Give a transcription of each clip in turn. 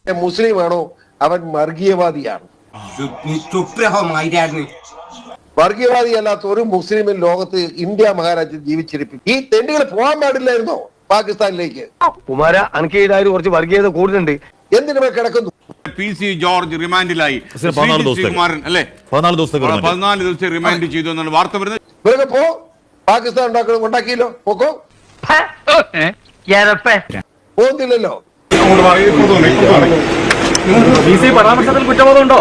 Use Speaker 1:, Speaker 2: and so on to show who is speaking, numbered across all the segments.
Speaker 1: മുസ്ലിമാണോ അവൻ വർഗീയവാദിയാണ്. വർഗീയവാദിയല്ലാത്ത ഒരു മുസ്ലിമിൻ ലോകത്ത് ഇന്ത്യ മഹാരാജ്യം ജീവിച്ചിരിക്കും. ഈ തെണ്ടുകൾ പോകാൻ പാടില്ലായിരുന്നോ പാകിസ്ഥാനിലേക്ക്?
Speaker 2: കുമാര അനക്ക് കുറച്ച് വർഗീയത കൂടുതലുണ്ട്.
Speaker 1: എന്തിനു കിടക്കുന്നു?
Speaker 3: PC George റിമാൻഡിലായി. 14 ദിവസത്തെ റിമാൻഡ് ചെയ്തു എന്നാണ് വാർത്ത വരുന്നത്.
Speaker 1: ഇവരൊക്കെ പോ, പാകിസ്ഥാൻ ഉണ്ടാക്കിയല്ലോ, പോക്കോ. പോകുന്നില്ലല്ലോ.
Speaker 2: പരാമർശത്തിൽ കുറ്റബോധമുണ്ടോ?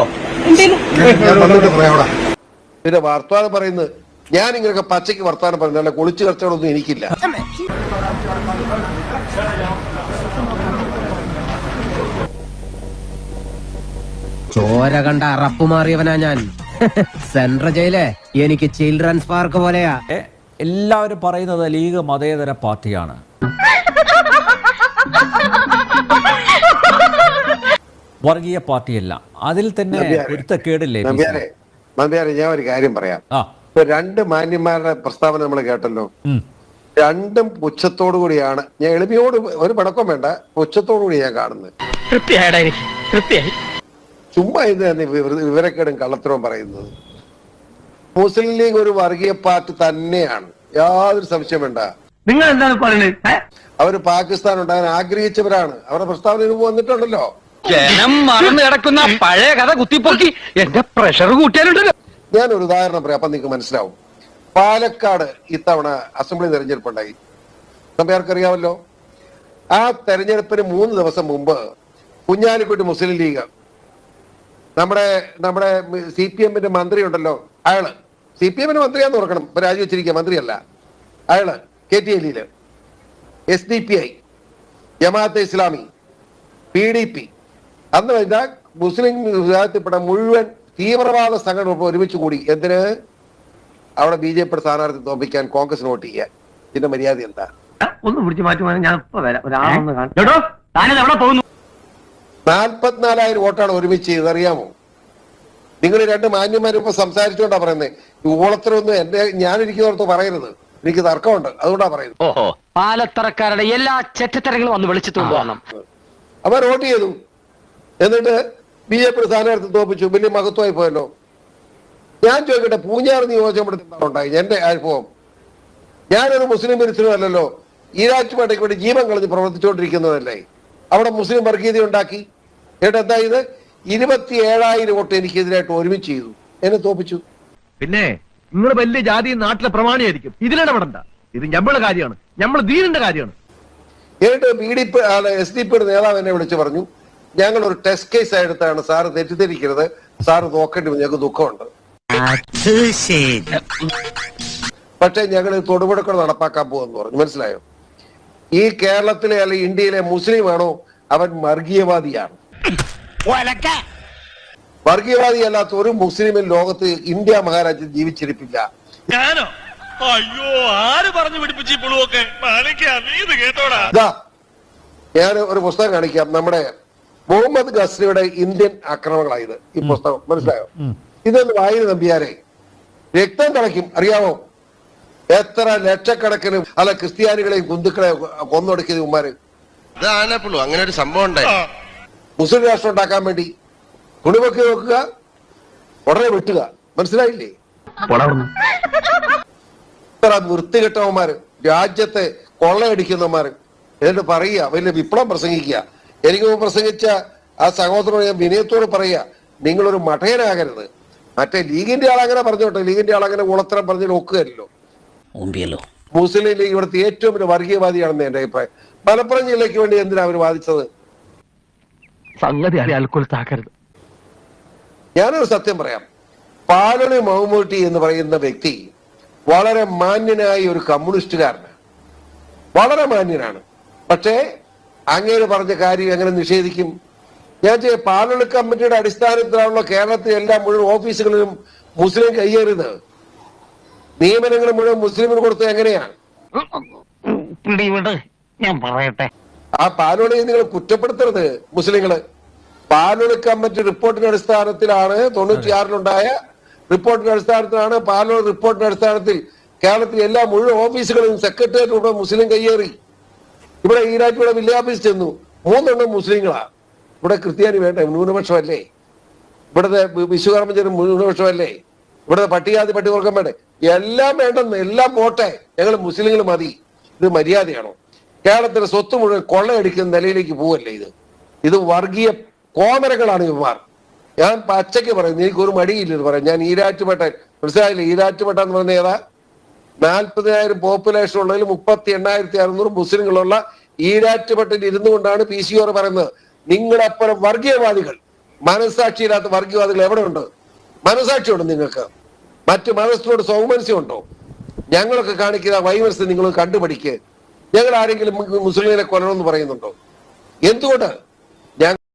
Speaker 1: പിന്നെ വർത്താനം പറയുന്നത് ഞാൻ ഇങ്ങനെയൊക്കെ പച്ചയ്ക്ക് വർത്താനം പറയുന്നത് അല്ല, കൊളിച്ചു കച്ചവടമൊന്നും എനിക്കില്ല.
Speaker 4: ചോര കണ്ട അറപ്പ് മാറിയവനാ ഞാൻ. സെൻട്രൽ ജയിലേ എനിക്ക് ചിൽഡ്രൻസ് പാർക്ക് പോലെയാ.
Speaker 5: എല്ലാവരും പറയുന്നത് ലീഗ് മതേതര പാർട്ടിയാണ്. വർഗീയ പാർട്ടിയല്ല. അതിൽ തന്നെ പൊരുത്തക്കേടില്ലേ?
Speaker 1: ഞാൻ ഒരു കാര്യം പറയാം. രണ്ട് മാന്യന്മാരുടെ പ്രസ്താവന നമ്മൾ കേട്ടല്ലോ. രണ്ടും പുച്ഛത്തോടു കൂടിയാണ്. ഞാൻ എളിമയോട് ഒരു പടക്കം വേണ്ട, പുച്ഛത്തോടു കൂടി ഞാൻ കാണുന്നത്. ചുമ്മാ ഇത് തന്നെ വിവരക്കേടും കള്ളത്തരവും പറയുന്നത്. മുസ്ലിം ലീഗ് ഒരു വർഗീയ പാർട്ടി തന്നെയാണ്, യാതൊരു സംശയം വേണ്ട.
Speaker 2: നിങ്ങൾ എന്താണ് പറയുന്നത്?
Speaker 1: അവര് പാകിസ്ഥാൻ ഉണ്ടാകാൻ ആഗ്രഹിച്ചവരാണ്. അവരുടെ പ്രസ്താവന വന്നിട്ടുണ്ടല്ലോ.
Speaker 2: ജനം മറന്നു കിടക്കുന്ന പഴയ കഥ കുത്തിപ്പൊക്കി എന്റെ പ്രഷർ കൂട്ടിയാലുണ്ടല്ലോ.
Speaker 1: ഞാനൊരു ഉദാഹരണം പറയാം, അപ്പൊ നിങ്ങൾക്ക് മനസ്സിലാവും. പാലക്കാട് ഇത്തവണ അസംബ്ലി തെരഞ്ഞെടുപ്പ് ഉണ്ടായി. നമുക്കറിയാമല്ലോ. ആ തെരഞ്ഞെടുപ്പിന് 3 ദിവസം മുമ്പ് കുഞ്ഞാലിക്കുട്ടി മുസ്ലിം ലീഗ് നമ്മുടെ CPM-ന്റെ മന്ത്രി ഉണ്ടല്ലോ, അയാള് CPM-ന്റെ മന്ത്രിയാന്ന് ഓർക്കണം, ഇപ്പൊ രാജിവെച്ചിരിക്കുക, മന്ത്രിയല്ല അയാള്. KTLE, SDPI, Jamaat-e Islami, PDP, അന്ന് കഴിഞ്ഞ മുസ്ലിം വിഭാഗത്തിൽപ്പെട്ട മുഴുവൻ തീവ്രവാദ സംഘടന ഒരുമിച്ച് കൂടി. എന്തിന്? അവിടെ BJP സ്ഥാനാർത്ഥി തോൽപ്പിക്കാൻ കോൺഗ്രസ് വോട്ട് ചെയ്യാൻ. ഇതിന്റെ മര്യാദ എന്താ?
Speaker 2: ഒന്ന് പിടിച്ചു മാറ്റുവാൻ ഞാൻ ഇപ്പൊ വരാം.
Speaker 1: 44,000 വോട്ടാണ് ഒരുമിച്ച് ചെയ്തത്, അറിയാമോ? നിങ്ങൾ രണ്ട് മാന്യന്മാരും ഇപ്പൊ സംസാരിച്ചുകൊണ്ടാ പറയുന്നത്. ഊളത്തരൊന്നും ഞാനിരിക്കുന്നോർത്ത് പറയരുത്, എനിക്ക് തർക്കമുണ്ട്, അതുകൊണ്ടാ പറയുന്നത്.
Speaker 2: ഓഹോ, പാലത്തറക്കാരുടെ എല്ലാ ചെറ്റത്തരങ്ങളും ഒന്ന് വിളിച്ചിട്ടുണ്ട്.
Speaker 1: അവർ വോട്ട് ചെയ്തു, എന്നിട്ട് BJP സ്ഥാനാർത്ഥി തോൽപ്പിച്ചു. വലിയ മഹത്വമായി പോയല്ലോ. ഞാൻ ചോദിക്കട്ടെ, പൂഞ്ഞാർ നിയോജകമണ്ഡലത്തിൽ ഉണ്ടായി എന്റെ അനുഭവം. ഞാനൊരു മുസ്ലിം വിരുദ്ധനല്ലല്ലോ, ഈരാറ്റുപേട്ടയ്ക്ക് വേണ്ടി ജീവൻ കളഞ്ഞ് പ്രവർത്തിച്ചുകൊണ്ടിരിക്കുന്നതല്ലേ. അവിടെ മുസ്ലിം വർഗീയത ഉണ്ടാക്കി. എന്നിട്ട് എന്താ ഇത്? 27,000 വോട്ട് എനിക്കെതിരായിട്ട് ഒരുമിച്ച് ചെയ്തു, എന്നെ തോപ്പിച്ചു.
Speaker 6: പിന്നെ നിങ്ങൾ വലിയ ജാതി നാട്ടിലെ പ്രമാണിയായിരിക്കും, ഇതിലിടപെടണ്ട. ഇത് ഞമ്മളുടെ കാര്യമാണ്, ഞമ്മള് ദീനിന്റെ കാര്യമാണ്.
Speaker 1: എന്നിട്ട് SDP-യുടെ നേതാവ് എന്നെ വിളിച്ചു പറഞ്ഞു, ഞങ്ങൾ ഒരു ടെസ്റ്റ് കേസ് എടുത്താണ്, സാറ് തെറ്റിദ്ധരിക്കരുത്, സാറ് നോക്കേണ്ടി വന്നു, ഞങ്ങൾക്ക് ദുഃഖമുണ്ട്. പക്ഷെ ഞങ്ങൾ തൊടുപുഴക്കൾ നടപ്പാക്കാൻ പോകുമെന്ന് പറഞ്ഞു. മനസ്സിലായോ? ഈ കേരളത്തിലെ അല്ലെങ്കിൽ ഇന്ത്യയിലെ മുസ്ലിമാണോ അവൻ വർഗീയവാദിയാണ്. വർഗീയവാദിയല്ലാത്ത ഒരു മുസ്ലിമിൻ ലോകത്ത് ഇന്ത്യ മഹാരാജ്യം ജീവിച്ചിരിപ്പില്ല.
Speaker 7: ഞാനോ? അയ്യോ, ആര് പറഞ്ഞു പിടിപ്പിച്ചു?
Speaker 1: ഞാൻ ഒരു പുസ്തകം കാണിക്കാം. നമ്മുടെ മുഹമ്മദ് ഗസ്നിയുടെ ഇന്ത്യൻ ആക്രമണങ്ങളായത് ഈ പുസ്തകം. മനസ്സിലായോ? ഇതൊന്ന് വായന നമ്പിയാരെ രക്തം തിളയ്ക്കും. അറിയാമോ എത്ര ലക്ഷക്കണക്കിന് ക്രിസ്ത്യാനികളെയും ഹിന്ദുക്കളെ കൊന്നൊടുക്കിയത് ഉമ്മാര്?
Speaker 8: അങ്ങനെ ഒരു സംഭവം ഉണ്ടായി.
Speaker 1: മുസ്ലിം രാഷ്ട്രം ഉണ്ടാക്കാൻ വേണ്ടി കുണിവൊക്കെ നോക്കുക, ഉടനെ വെട്ടുക. മനസ്സിലായില്ലേ? ഇത്ര വൃത്തികെട്ടവന്മാര്, രാജ്യത്തെ കൊള്ളയടിക്കുന്നവന്മാര്. എന്നിട്ട് പറയുക, വലിയ വിപ്ലവം പ്രസംഗിക്കുക. എനിക്ക് പ്രസംഗിച്ച ആ സഹോദരനോട് ഞാൻ വിനയത്തോട് പറയുക, നിങ്ങളൊരു മഠയനാകരുത്. മറ്റേ ലീഗിന്റെ ആളങ്ങനെ പറഞ്ഞോട്ടെ, ലീഗിന്റെ ആളങ്ങനെ ഉളത്തരം പറഞ്ഞ് നോക്കുകയല്ലോ. മുസ്ലിം ലീഗ് ഇവിടുത്തെ ഏറ്റവും വലിയ വർഗീയവാദിയാണെന്ന് എന്റെ അഭിപ്രായം. മലപ്പുറം ജില്ലയ്ക്ക് വേണ്ടി എന്തിനാ അവർ വാദിച്ചത്? ഞാനൊരു സത്യം പറയാം. പാലൊളി മമ്മൂട്ടി എന്ന് പറയുന്ന വ്യക്തി വളരെ മാന്യനായ ഒരു കമ്മ്യൂണിസ്റ്റുകാരനാണ്, വളരെ മാന്യനാണ്. പക്ഷേ അങ്ങേര് പറഞ്ഞ കാര്യം എങ്ങനെ നിഷേധിക്കും? ഞാൻ പാലൊളി കമ്മിറ്റിയുടെ അടിസ്ഥാനത്തിലാണല്ലോ കേരളത്തിലെ എല്ലാ മുഴുവൻ ഓഫീസുകളിലും മുസ്ലിം കയ്യേറിയത്. നിയമനങ്ങൾ മുഴുവൻ മുസ്ലിമിന് കൊടുത്തത് എങ്ങനെയാണ്?
Speaker 2: ഞാൻ പറയട്ടെ,
Speaker 1: ആ പാലോളിയെ നിങ്ങൾ കുറ്റപ്പെടുത്തരുത് മുസ്ലിങ്ങള്. പാലോളി കമ്മിറ്റി റിപ്പോർട്ടിന്റെ അടിസ്ഥാനത്തിലാണ് 96-ലുണ്ടായ റിപ്പോർട്ടിന്റെ അടിസ്ഥാനത്തിലാണ് പാലോളി റിപ്പോർട്ടിന്റെ അടിസ്ഥാനത്തിൽ കേരളത്തിലെ എല്ലാ മുഴുവൻ ഓഫീസുകളിലും സെക്രട്ടേറിയറ്റ് മുസ്ലിം കയ്യേറി. ഇവിടെ ഈരാറ്റുപുഴ വില്ലേജ് ഓഫീസ് ചെന്നു, 3 മുസ്ലിങ്ങളാ. ഇവിടെ ക്രിസ്ത്യാനി വേണ്ട ന്യൂനപക്ഷമല്ലേ? ഇവിടുത്തെ വിശ്വകർമ്മജനം ന്യൂനപക്ഷമല്ലേ? ഇവിടുത്തെ പട്ടികജാതി പട്ടികവർഗം വേണ്ടേ? എല്ലാം വേണ്ടെന്ന്, എല്ലാം പോട്ടെ, ഞങ്ങൾ മുസ്ലിങ്ങൾ മതി. ഇത് മര്യാദയാണോ? കേരളത്തിലെ സ്വത്ത് മുഴുവൻ കൊള്ളയടിക്കുന്ന നിലയിലേക്ക് പോവല്ലേ ഇത്? ഇത് വർഗീയ കോമരങ്ങളാണ് ഇവന്മാർ. ഞാൻ പച്ചയ്ക്ക് പറയുന്നു, എനിക്കൊരു മടിയില്ലെന്ന് പറയാം. ഞാൻ ഈരാറ്റുപേട്ട, മനസ്സിലായില്ലേ? ഈരാറ്റുപേട്ട എന്ന് പറഞ്ഞ ഏതാ? 40,000 പോപ്പുലേഷൻ ഉള്ളതിൽ 38,600 മുസ്ലിങ്ങളുള്ള ഈരാറ്റുപേട്ടയിൽ ഇരുന്നു കൊണ്ടാണ് PCR പറയുന്നത്, നിങ്ങളെപ്പുറം വർഗീയവാദികൾ, മനസ്സാക്ഷിയില്ലാത്ത വർഗീയവാദികൾ എവിടെ ഉണ്ട്? മനസ്സാക്ഷിയുണ്ട് നിങ്ങൾക്ക്? മറ്റു മതസ്ഥരോട് സൗമനസ്യമുണ്ടോ? ഞങ്ങളൊക്കെ കാണിക്കുന്ന വൈമനസ്യം നിങ്ങൾ കണ്ടുപിടിക്കുക. ഞങ്ങൾ ആരെങ്കിലും മുസ്ലിങ്ങളെ കൊല്ലണമെന്ന് പറയുന്നുണ്ടോ? എന്തുകൊണ്ട്?